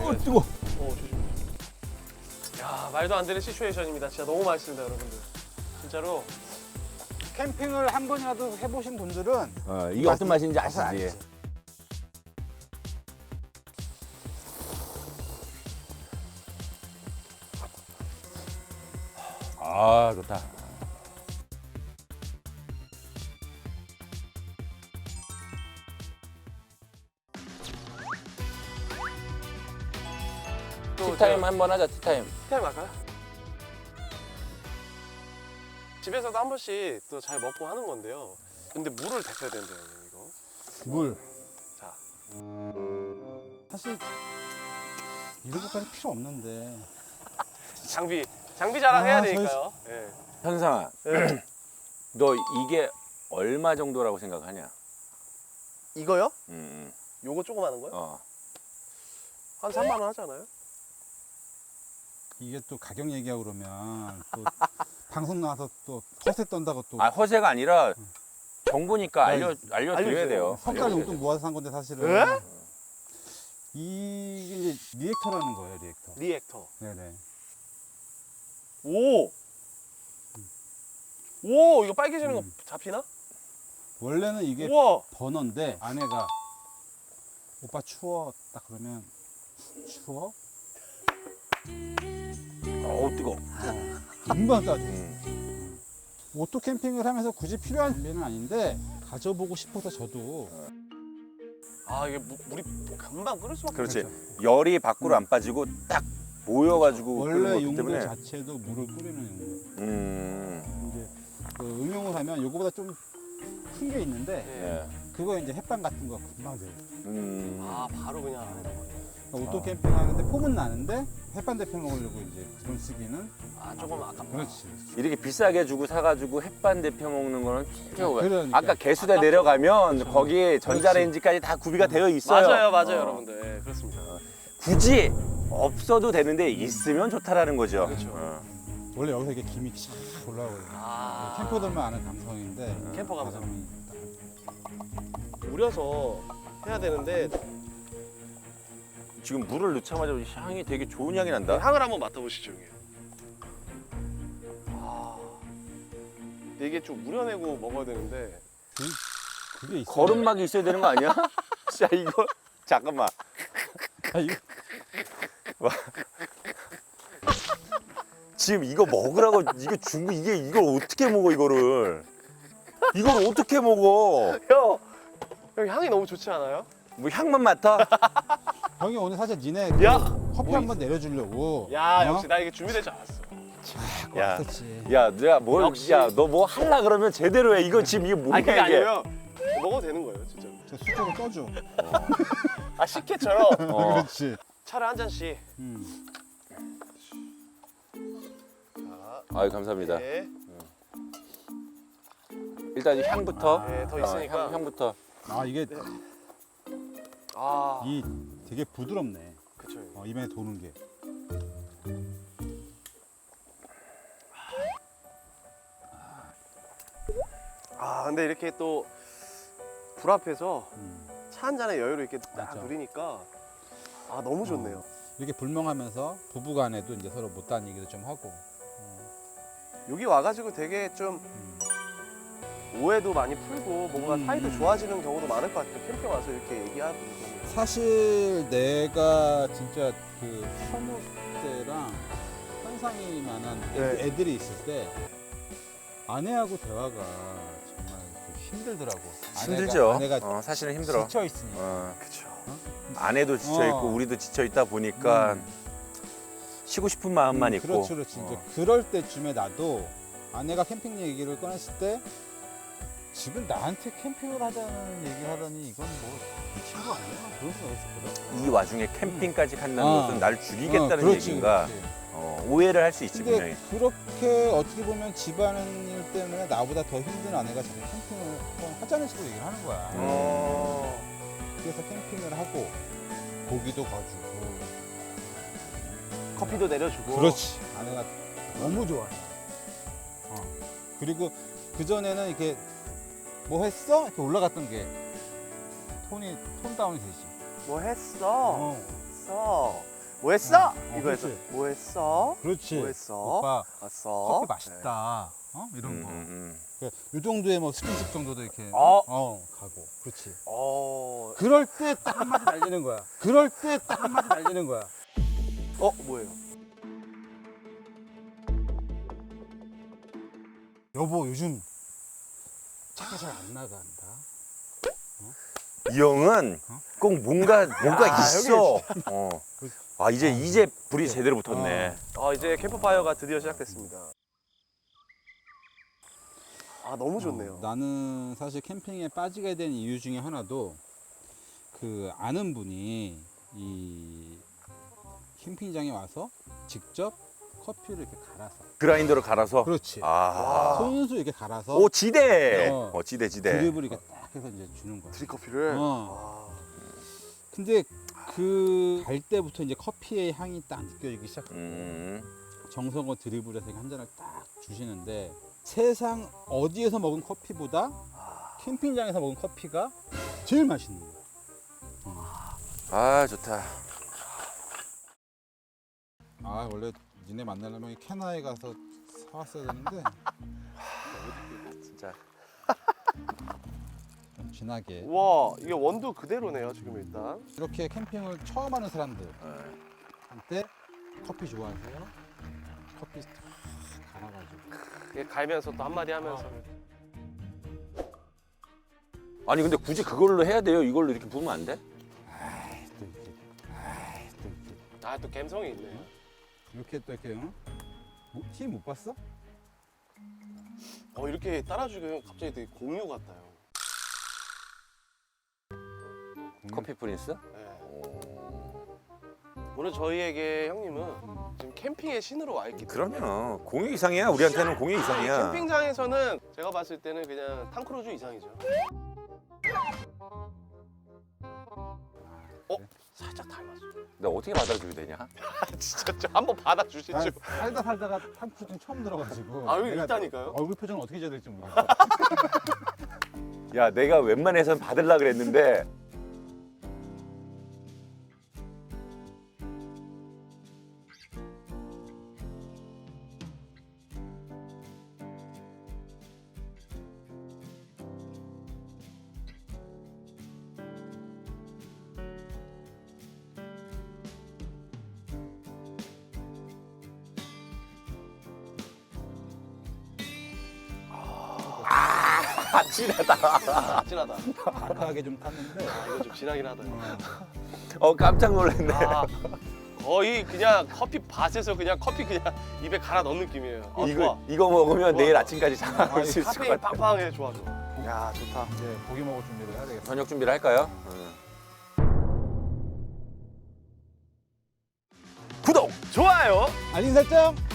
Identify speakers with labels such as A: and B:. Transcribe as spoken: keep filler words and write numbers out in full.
A: 어, 뜨거.
B: 어, 조심. 야, 말도 안 되는 시츄에이션입니다. 진짜 너무 맛있습니다, 여러분들. 진짜로.
C: 캠핑을 한 번이라도 해보신 분들은
A: 어, 이게 어떤 맛인지 아시지?
C: 알지.
A: 아, 좋다. 티타임 한번 하자, 티타임.
B: 티타임 할까요? 집에서도 한 번씩 또 잘 먹고 하는 건데요. 근데 물을 데펴야 된대요, 이거.
C: 물.
B: 자,
C: 사실 이런 것까지 필요 없는데.
B: 장비. 장비 자랑해야
C: 아, 저희-
B: 되니까요. 예.
A: 현상아,
B: 네.
A: 너 이게 얼마 정도라고 생각하냐?
B: 이거요?
A: 음,
B: 요거 조그마한 거요?
A: 어.
B: 한 삼만 원 하지 않아요?
C: 이게 또 가격 얘기하고 그러면 또 방송 나와서 또 허세 떤다고 또
A: 아, 허세가 아니라 정보니까 알려, 알려드려야
B: 알려주세요.
A: 돼요.
C: 성깔
A: 알려드려야
C: 용돈 모아서 산 건데 사실은.
B: 에?
C: 이게 이제 리액터라는 거예요, 리액터.
B: 리액터.
C: 네네.
B: 오! 오, 이거 빨개지는
C: 음.
B: 거 잡히나?
C: 원래는 이게
B: 우와!
C: 버너인데 아내가 오빠 추워 딱 그러면 추워?
A: 어우, 뜨거.
C: 금방 따져.
A: 음.
C: 오토 캠핑을 하면서 굳이 필요한 준비는 아닌데 가져보고 싶어서 저도
B: 아, 이게 무, 물이 금방 끓을 수밖에
A: 그렇지.
B: 없죠.
A: 열이 밖으로 안 빠지고 딱 모여가지고 끓는
C: 원래
A: 거기
C: 용도
A: 때문에.
C: 자체도 물을 끓이는 용도.
A: 음.
C: 이제 그 응용을 하면 요거보다 좀 큰 게 있는데
B: 예.
A: 예.
C: 그거 이제 햇반 같은 거 금방 돼요.
A: 음.
B: 아, 바로 그냥 안에다 버려.
C: 그러니까 오토 캠핑 하는데 폼은 나는데 햇반 대표 먹으려고 이제 그런 쓰기는
B: 아, 조금 아깝다.
C: 그렇지.
A: 이렇게 비싸게 주고 사가지고 햇반 데펴 먹는 거는 진짜 오해.
C: 그러니까.
A: 아까 개수대 내려가면 거기에 전자레인지까지 다 구비가 되어 있어요.
B: 맞아요, 맞아요,
A: 어.
B: 여러분들. 예, 그렇습니다.
A: 굳이 없어도 되는데 있으면 좋다라는 거죠.
B: 그렇죠.
A: 어.
C: 원래 여기서 이게 김이 쫙 올라오거든요.
B: 아,
C: 캠퍼들만 아는 감성인데
B: 캠퍼 감성.
C: 가성비
B: 우려서 해야 되는데
A: 지금 물을 넣자마자 향이 되게 좋은 향이 난다.
B: 향을 한번 맡아보시죠, 형님. 아, 근데 이게 좀 우려내고 먹어야 되는데
C: 그, 그게 있어요.
A: 거름막이 있어야 되는 거 아니야? 자 이거 잠깐만.
C: 아, 이거
A: 지금 이거 먹으라고 이거 준 거 이게 이걸 어떻게 먹어 이거를? 이걸 어떻게 먹어?
B: 형, 형 향이 너무 좋지 않아요?
A: 뭐 향만 맡아?
C: 형이 오늘 사실 니네
B: 야!
C: 커피
B: 뭐
C: 한번 내려주려고
B: 야,
C: 어?
B: 역시 나 이게 준비되지 않았어.
A: 야,
C: 왔었지.
A: 야, 내가 뭘,
B: 역시.
A: 야, 너 뭐 할라 그러면 제대로 해. 이거 지금 이게 뭐야
B: 아니, 그게
A: 이게?
B: 아니고요. 먹어도 되는 거예요, 진짜.
C: 저 수저로 떠줘.
B: 아, 식혜처럼
A: 어.
C: 그렇지.
B: 차를 한 잔씩.
C: 음.
B: 자,
A: 아유 감사합니다.
B: 네.
A: 일단 이 향부터.
B: 네, 더
A: 어,
B: 있으니까.
A: 향, 향부터.
C: 아 이게
B: 아,
C: 이 되게 부드럽네.
B: 그쵸. 형님.
C: 어, 입에 도는 게.
B: 아, 근데 이렇게 또 불 앞에서
C: 음.
B: 차 한 잔에 여유를 이렇게 딱
C: 맞아.
B: 누리니까 아, 너무 좋네요.
C: 이렇게 불멍하면서 부부간에도 이제 서로 못다한 얘기도 좀 하고.
B: 여기 와가지고 되게 좀
C: 음.
B: 오해도 많이 풀고 뭔가
C: 음.
B: 사이도 좋아지는 경우도 많을 것 같아요. 캠핑 와서 이렇게 얘기하고.
C: 사실 내가 진짜 그 현욱 때랑 현상이만한 애-
B: 네.
C: 애들이 있을 때 아내하고 대화가 정말 그 힘들더라고.
A: 힘들죠.
C: 아내가,
A: 어, 사실은 힘들어.
C: 지쳐 있으니까.
A: 어,
B: 그쵸.
A: 아내도 지쳐 있고
C: 어.
A: 우리도 지쳐 있다 보니까
C: 음.
A: 쉬고 싶은 마음만
C: 음,
A: 있고.
C: 그렇죠, 그렇지. 이제
A: 어.
C: 그럴 때쯤에 나도 아내가 캠핑 얘기를 꺼냈을 때 지금 나한테 캠핑을 하자는 얘기 하더니 이건 뭐 미친 거 아니야? 그런 생각했었거든.
A: 이 와중에 캠핑까지 간다는
C: 어.
A: 것은 날 죽이겠다는
C: 어, 그렇지,
A: 얘기인가.
C: 그렇지.
A: 어, 오해를 할 수 있지 분명히.
C: 근데 그렇게 어떻게 보면 집안일 때문에 나보다 더 힘든 아내가 자꾸 캠핑을 한번 하자는 식으로 얘기를 하는 거야.
A: 음.
B: 어.
C: 그래서 캠핑을 하고 고기도 거주고.
B: 커피도 내려주고.
C: 그렇지. 아내가 너무 좋아해. 어. 그리고 그 전에는 이렇게 뭐 했어? 이렇게 올라갔던 게 톤이 톤 다운이 되지.
B: 뭐 했어?
C: 어.
B: 했어. 뭐 했어?
C: 어,
B: 이거에서
C: 그렇지.
B: 뭐 했어?
C: 그렇지.
B: 뭐 했어?
C: 오빠
B: 왔어.
C: 커피 맛있다. 어? 이런
A: 음,
C: 거.
A: 음,
C: 그러니까 이 정도의 뭐 스킨십 정도도 이렇게
B: 어.
C: 어 가고. 그렇지.
B: 어,
C: 그럴 때 딱 한마디 날리는 거야. 그럴 때 딱 한마디 날리는 거야.
B: 어 뭐예요?
C: 여보 요즘 차가 잘 안 나간다.
A: 음. 이 형은
C: 어?
A: 꼭 뭔가 뭔가
B: 야,
A: 있어. 어. 아 이제 이제 불이 제대로 붙었네.
B: 어 이제 캠프파이어가 드디어 시작됐습니다. 아 너무 좋네요.
C: 어, 나는 사실 캠핑에 빠지게 된 이유 중에 하나도 그 아는 분이 이 캠핑장에 와서 직접 커피를 이렇게 갈아서.
A: 그라인더로 갈아서.
C: 그렇지.
A: 아.
C: 손수 이렇게 갈아서
A: 오 지대.
C: 어.
A: 어 지대 지대.
C: 드립을 이렇게 딱 해서 이제 주는 거야.
B: 드립커피를.
C: 어. 근데 그 갈 때부터 이제 커피의 향이 딱 느껴지기 시작하고
A: 음.
C: 정성껏 드립을 해서 한 잔을 딱 주시는데 세상 어디에서 먹은 커피보다 캠핑장에서 먹은 커피가 제일 맛있는 거야.
A: 아 좋다.
C: 아 원래 니네 만나려면 캐나에 가서 사왔어야 되는데
A: 진짜.
C: 좀 진하게
B: 와 이게 원두 그대로네요 지금 일단.
C: 이렇게 캠핑을 처음 하는 사람들한테 커피 좋아하세요? 커피 탁 갈아가지고
B: 이게 갈면서 또 한마디 하면서.
A: 아니 근데 굳이 그걸로 해야 돼요? 이걸로 이렇게 부으면 안 돼?
C: 아이 또 이렇게 아이 또 이렇게
B: 아 또 감성이 있네.
C: 이렇게 또 이렇게 응? 뭐, TV 못 봤어?
B: 어 이렇게 따라주기가 갑자기 되게 공유 같아요.
A: 커피 프린스?
B: 네.
A: 오.
B: 오늘 저희에게 형님은
C: 음.
B: 지금 캠핑의 신으로 와 있기 때문에.
A: 그럼요. 공유 이상이야. 우리한테는 공유 이상이야.
B: 캠핑장에서는 제가 봤을 때는 그냥 탕크루즈 이상이죠. 어? 살짝 닮았어.
A: 나 어떻게 받아주게 되냐?
B: 진짜 좀 한번 받아주시죠.
C: 아, 살다 살다가 탕푸딩 처음 들어가지고
B: 아, 여기
C: 내가
B: 있다니까요?
C: 얼굴 표정을 어떻게 해야 될지 모르겠어.
A: 야 내가 웬만해선 받으려 그랬는데 아 진하다.
B: 진하다.
C: 아까하게 좀 탔는데
B: 아, 이거 좀 진하긴 하다.
A: 어 깜짝 놀랐네.
B: 아, 거의 그냥 커피 밭에서 그냥 커피 그냥 입에 갈아 넣은 느낌이에요. 아,
A: 이거
B: 좋아.
A: 이거 먹으면
B: 좋아,
A: 내일
B: 좋아.
A: 아침까지 잠을 수 있을 것
B: 카페인
A: 같아.
B: 빵빵해. 좋아 좋아. 야 좋다.
C: 이제 고기 먹을 준비를 해야 되겠어.
A: 저녁 준비를 할까요? 응.
B: 구독, 좋아요.
C: 알림 설정.